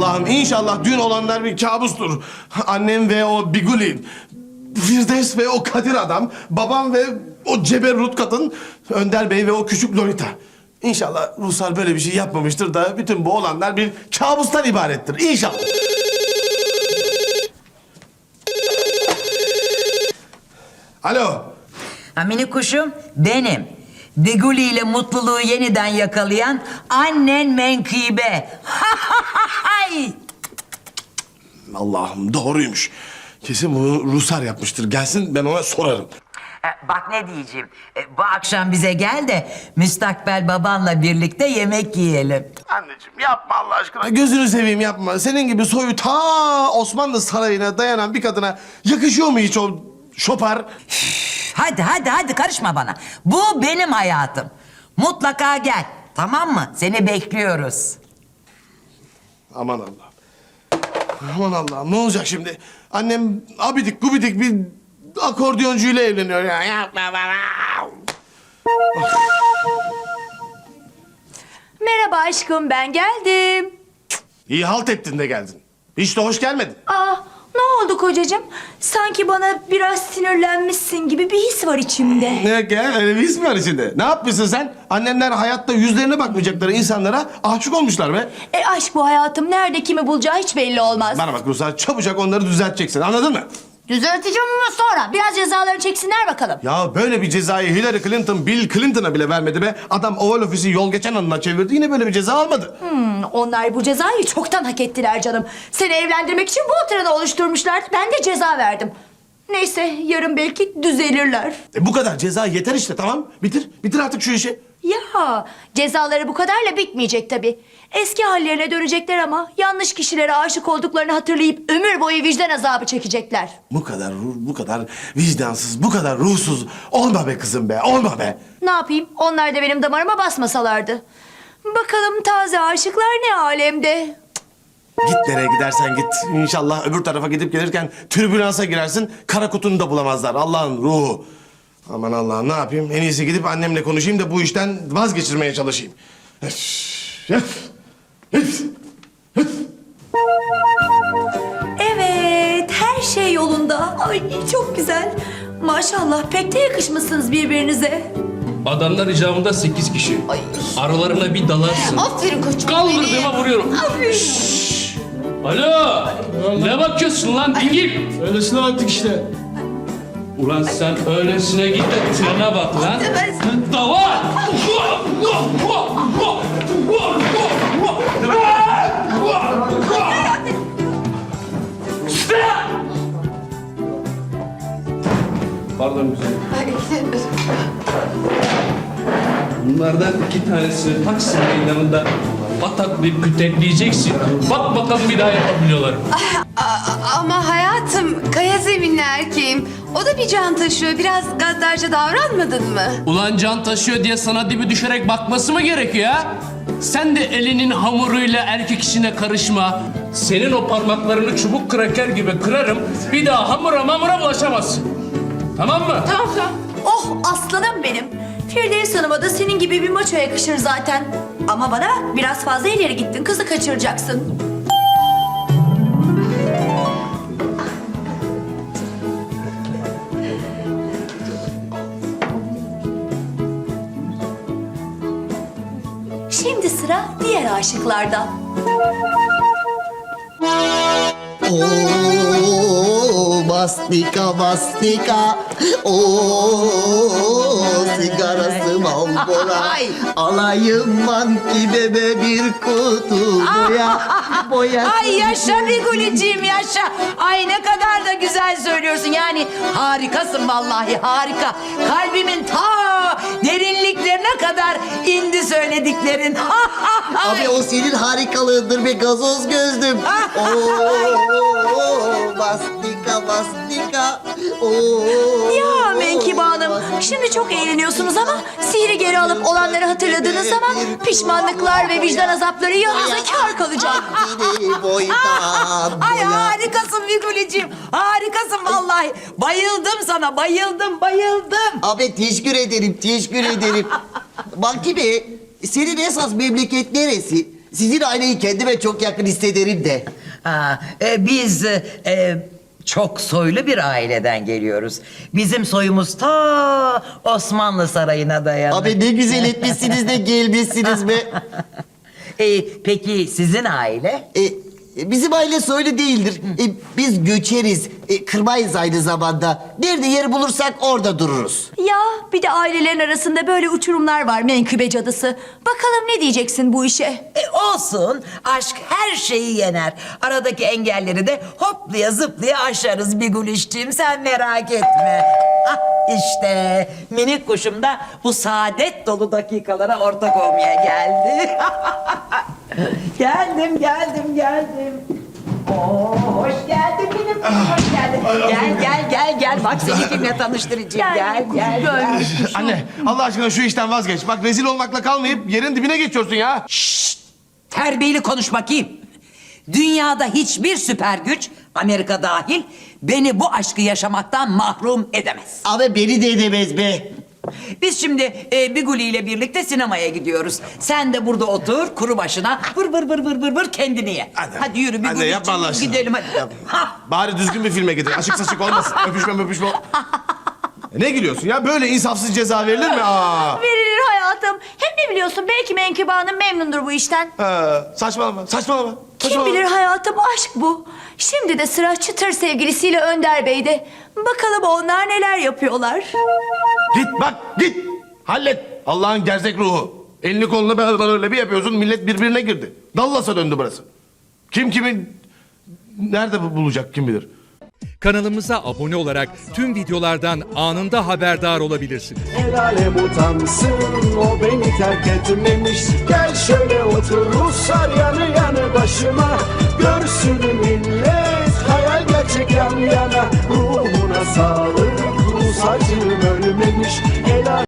Allah'ım inşallah dün olanlar bir kabustur. Annem ve o Biguli, Firdevs ve o Kadir adam, babam ve o ceberrut kadın, Önder Bey ve o küçük Lolita. İnşallah Ruslar böyle bir şey yapmamıştır da bütün bu olanlar bir kabustan ibarettir. İnşallah. Alo. Minik kuşum benim. Beguli ile mutluluğu yeniden yakalayan annen Menkıbe. Allah'ım doğruymuş. Kesin bunu Ruslar yapmıştır. Gelsin ben ona sorarım. Bak ne diyeceğim. Bu akşam bize gel de müstakbel babanla birlikte yemek yiyelim. Anneciğim yapma Allah aşkına. Gözünü seveyim yapma. Senin gibi soyu ta Osmanlı sarayına dayanan bir kadına yakışıyor mu hiç o şopar? Hadi karışma bana. Bu benim hayatım. Mutlaka gel. Tamam mı? Seni bekliyoruz. Aman Allah'ım. Aman Allah'ım ne olacak şimdi? Annem abidik gubidik bir akordeoncuyla evleniyor ya. Yapma bana. Merhaba aşkım, ben geldim. İyi halt ettin de geldin. Hiç de hoş gelmedin. Aa, ne oldu kocacığım? Sanki bana biraz sinirlenmişsin gibi bir his var içimde. Ne gel öyle bir his mi var içinde? Ne yapmışsın sen? Annemler hayatta yüzlerine bakmayacakları insanlara aşık olmuşlar be. Aşk bu hayatım. Nerede kimi bulacağı hiç belli olmaz. Bana bak Ruslar çabucak onları düzelteceksin anladın mı? Düzelteceğim ama sonra. Biraz cezalarını çeksinler bakalım. Ya böyle bir cezayı Hillary Clinton Bill Clinton'a bile vermedi be. Adam Oval Ofisi yol geçen anına çevirdi yine böyle bir ceza almadı. Onlar bu cezayı çoktan hak ettiler canım. Seni evlendirmek için bu oturanı oluşturmuşlardı. Ben de ceza verdim. Neyse yarın belki düzelirler. Bu kadar ceza yeter işte tamam. Bitir artık şu işi. Ya cezaları bu kadarla bitmeyecek tabii. Eski hallerine dönecekler ama yanlış kişilere aşık olduklarını hatırlayıp ömür boyu vicdan azabı çekecekler. Bu kadar vicdansız, bu kadar ruhsuz olma be kızım be, olma be. Ne yapayım? Onlar da benim damarıma basmasalardı. Bakalım taze aşıklar ne alemde? Git nereye gidersen git. İnşallah öbür tarafa gidip gelirken türbülansa girersin. Kara kutunu da bulamazlar. Allah'ın ruhu. Aman Allah'ım ne yapayım? En iyisi gidip annemle konuşayım da bu işten vazgeçirmeye çalışayım. Evet, her şey yolunda. Ay çok güzel. Maşallah pek de yakışmışsınız birbirinize. Adamlar icabında 8 kişi. Aralarına bir dalarsın. Aferin koçum. Kaldırdığıma vuruyorum. Aferin. Alo! Ne bakıyorsun lan dingil? Öylesine baktık işte. Ulan sen öylesine git de trene bak lan. Davar! Pardon güzelim. Bunlardan 2 tanesini Taksim meydanında pataklayıp kütekleyeceksin. Bak bakalım bir daha yapabiliyorlar. Ama hayatım, kaya zeminli erkeğim. O da bir can taşıyor. Biraz gaddarca davranmadın mı? Ulan can taşıyor diye sana dibi düşerek bakması mı gerekiyor ha? Sen de elinin hamuruyla erkek işine karışma. Senin o parmaklarını çubuk kraker gibi kırarım. Bir daha hamura bulaşamazsın. Tamam mı? Tamam. Oh aslanım benim. Firdevs Hanım'a da senin gibi bir maço yakışır zaten. Ama bana bak biraz fazla ileri gittin. Kızı kaçıracaksın. Şimdi sıra diğer aşıklarda. Oo, bastika. Oo, sigarası mambora. Alayım manki bebe bir kutu boya. Ay yaşa Bigulicim yaşa. Ay ne kadar da güzel söylüyorsun. Yani harikasın vallahi harika. Kalbimin ta derinliklerine kadar indi söylediklerin. Abi o senin harikalığındır be gazoz gözlüm. Oo, bastika. Oo. Ya Menkibe Hanım, şimdi çok eğleniyorsunuz ama sihri geri alıp olanları hatırladığınız zaman pişmanlıklar ve vicdan azapları yanınıza kâr kalacak. Ay harikasın Bigulicim. Harikasın vallahi. Bayıldım sana bayıldım. Abi teşekkür ederim. Bak gibi senin esas memleket neresi? Sizin aileyi kendime çok yakın hissederim de. Biz çok soylu bir aileden geliyoruz. Bizim soyumuz ta Osmanlı Sarayı'na dayanır. Abi ne güzel etmişsiniz de gelmişsiniz be. Peki sizin aile? Bizim aile soylu değildir. Biz göçeriz. Kırmayız aynı zamanda. Nerede yer bulursak orada dururuz. Ya bir de ailelerin arasında böyle uçurumlar var menkıbe cadısı. Bakalım ne diyeceksin bu işe? Olsun. Aşk her şeyi yener. Aradaki engelleri de hoplaya zıplaya aşarız Bigulişciğim. Sen merak etme. Ah işte minik kuşum da bu saadet dolu dakikalara ortak olmaya geldi. Geldim. Oo, hoş geldin benim kızım, hoş geldin. Gel. Bak seni kimle tanıştıracağım. Gel. Anne Allah aşkına şu işten vazgeç. Bak rezil olmakla kalmayıp yerin dibine geçiyorsun ya. Terbiyeli konuş bakayım. Dünyada hiçbir süper güç, Amerika dahil, beni bu aşkı yaşamaktan mahrum edemez. Ama beni de edemez be. Biz şimdi Biguli ile birlikte sinemaya gidiyoruz. Sen de burada otur, kuru başına, vır kendini ye. Anne, Hadi yürü anne, Biguli yapma Allah aşkına. gidelim hadi. Ha, Bari düzgün bir filme gidin. Aşık saçık olmasın. Öpüşme. Ne gülüyorsun ya? Böyle insafsız ceza verilir mi? Verilir hayatım. Hem ne biliyorsun belki Menkıbe Hanım memnundur bu işten. Saçmalama. Kim bilir hayatım aşk bu. Şimdi de sıra çıtır sevgilisiyle Önder Bey'de. Bakalım onlar neler yapıyorlar. Git. Hallet. Allah'ın gerzek ruhu. Elini kolunu böyle bir yapıyorsun. Millet birbirine girdi. Dallas'a döndü burası. Kim kimin nerede bulacak kim bilir. Kanalımıza abone olarak tüm videolardan anında haberdar olabilirsiniz. El alem utansın, o beni terk etmemiş. Gel şöyle otur Ruslar yanı başıma. Görsün millet hayal gerçek yan yana. Ruhuna sağlık, Rus acım ölmemiş.